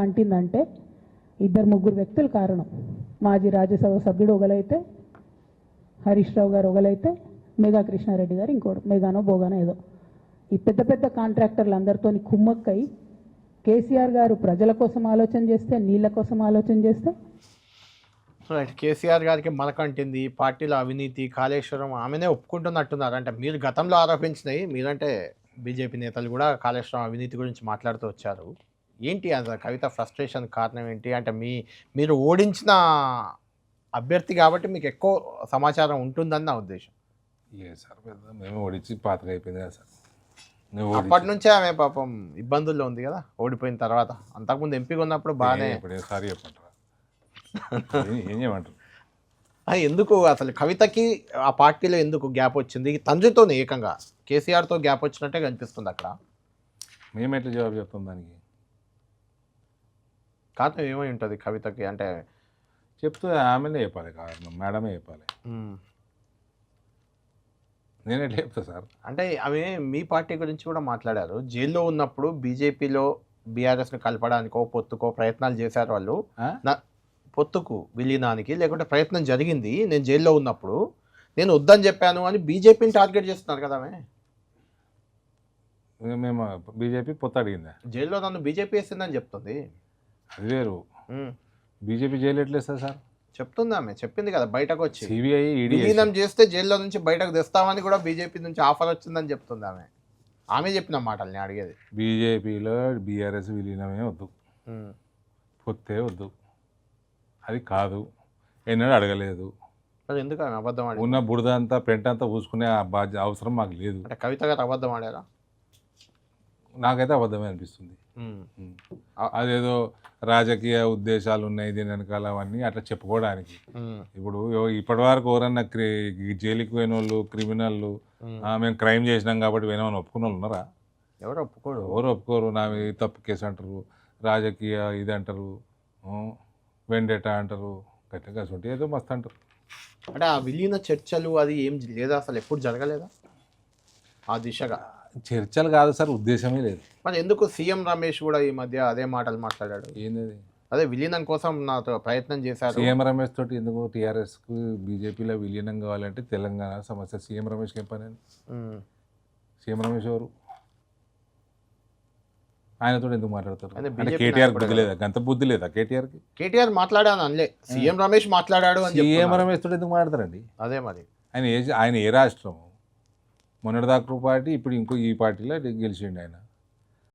అంటిందంటే ఇద్దరు ముగ్గురు వ్యక్తులు కారణం. మాజీ రాజ్యసభ సభ్యుడు ఒకలైతే, హరీష్ రావు గారు ఒకలైతే, మేఘా కృష్ణారెడ్డి గారు ఇంకోటి, మేఘానో బోగానో ఏదో. ఈ పెద్ద పెద్ద కాంట్రాక్టర్లు అందరితో కుమ్మక్కై కేసీఆర్ గారు ప్రజల కోసం ఆలోచన చేస్తే, నీళ్ళ కోసం ఆలోచన చేస్తే. రైట్. కేసీఆర్ గారికి మనకంటింది పార్టీలో అవినీతి, కాళేశ్వరం ఆమెనే ఒప్పుకుంటున్నట్టున్నారు. అంటే మీరు గతంలో ఆరోపించినవి, మీరంటే బీజేపీ నేతలు కూడా కాళేశ్వరం అవినీతి గురించి మాట్లాడుతూ వచ్చారు. ఏంటి అసలు కవిత ఫ్రస్ట్రేషన్ కారణం ఏంటి? అంటే మీరు ఓడించిన అభ్యర్థి కాబట్టి మీకు ఎక్కువ సమాచారం ఉంటుందని నా ఉద్దేశం. లేదు సార్, పెద్ద మేము ఓడించి పాతగా అయిపోయింది కదా సార్. అప్పటి నుంచే ఆమె పాపం ఇబ్బందుల్లో ఉంది కదా ఓడిపోయిన తర్వాత. అంతకుముందు ఎంపీగా ఉన్నప్పుడు బాగానే. సారీ చెప్పంటారా? ఏం చేయమంటారు? ఎందుకు అసలు కవితకి ఆ పార్టీలో ఎందుకు గ్యాప్ వచ్చింది? తండ్రితోనే ఏకంగా కేసీఆర్తో గ్యాప్ వచ్చినట్టే కనిపిస్తుంది అక్కడ. మేము ఎట్లా జవాబు చెప్తాం దానికి? కారణం ఏమై ఉంటుంది కవితకి? అంటే చెప్తే ఆమెనే చెప్పాలి, కారణం మేడమే చెప్పాలి. నేను ఎట్లా చెప్తా సార్? అంటే ఆమె మీ పార్టీ గురించి కూడా మాట్లాడారు. జైల్లో ఉన్నప్పుడు బీజేపీలో బీఆర్ఎస్ని కలపడానికో పొత్తుకో ప్రయత్నాలు చేశారు వాళ్ళు. పొత్తుకు విలీనానికి లేకుంటే ప్రయత్నం జరిగింది నేను జైల్లో ఉన్నప్పుడు, నేను వద్దని చెప్పాను అని బీజేపీని టార్గెట్ చేస్తున్నారు కదా ఆమె. మేము బీజేపీ పొత్తు అడిగిందా? జైల్లో నన్ను బీజేపీ వేసిందని చెప్తుంది. అది వేరు. బీజేపీ జైలు ఎట్లేస్తారు సార్? చెప్తుంది ఆమె, చెప్పింది కదా బయటకు వచ్చి. సిబిఐ విలీనం చేస్తే జైల్లో నుంచి బయటకు తెస్తామని కూడా బీజేపీ నుంచి ఆఫర్ వచ్చిందని చెప్తుంది ఆమె. ఆమె చెప్పిన మాటలు నేను అడిగేది. బీజేపీలో బీఆర్ఎస్ విలీనమే వద్దు, పొత్తే వద్దు, అది కాదు, ఎన్నడూ అడగలేదు. అది ఎందుకు ఆమె అబద్ధం ఆడి? ఉన్న బురద అంతా పెంట అంతా పూసుకునే అవసరం మాకు లేదు. అంటే కవిత గారు అబద్ధం ఆడారా? నాకైతే అబద్ధమే అనిపిస్తుంది. అదేదో రాజకీయ ఉద్దేశాలు ఉన్నాయి దీని వెనకాల అవన్నీ అట్లా చెప్పుకోవడానికి. ఇప్పుడు ఇప్పటి వరకు ఎవరన్నా జైలుకి పోయిన వాళ్ళు, క్రిమినల్లు, మేము క్రైమ్ చేసినాం కాబట్టి పోయినామని ఒప్పుకున్న వాళ్ళు ఉన్నారా? ఎవరు ఒప్పుకోరు. ఎవరు ఒప్పుకోరు. నా తప్పు కేసు అంటారు, రాజకీయ ఇది అంటారు, వెండేటా అంటారు, గట్టిగా ఉంటే ఏదో మస్తు అంటారు. అంటే ఆ విలీన చర్చలు అది ఏం లేదా? అసలు ఎప్పుడు జరగలేదా ఆ దిశగా? చర్చలు కాదు సార్, ఉద్దేశమే లేదు. మరి ఎందుకు సీఎం రమేష్ కూడా ఈ మధ్య అదే మాటలు మాట్లాడాడు? ఏంది? అదే విలీనం కోసం నాతో ప్రయత్నం చేశారు. సీఎం రమేష్ తోటి ఎందుకు? టీఆర్ఎస్కు బీజేపీలో విలీనం కావాలంటే తెలంగాణ సమస్య. సీఎం రమేష్కి ఏం పని? సీఎం రమేష్ ఎవరు? ఆయనతో ఎందుకు మాట్లాడతారు? కేటీఆర్ బుద్ధి లేదా? గంత బుద్ధి లేదా కేటీఆర్కి? కేటీఆర్ మాట్లాడాను అనలే, సీఎం రమేష్ మాట్లాడాడు అని. సీఎం రమేష్ తోటి ఎందుకు మాట్లాడతారండి? అదే మరి ఆయన ఏ రాష్ట్రము? మొన్నటిదాకా పార్టీ, ఇప్పుడు ఈ పార్టీలో గెలిచిండు ఆయన.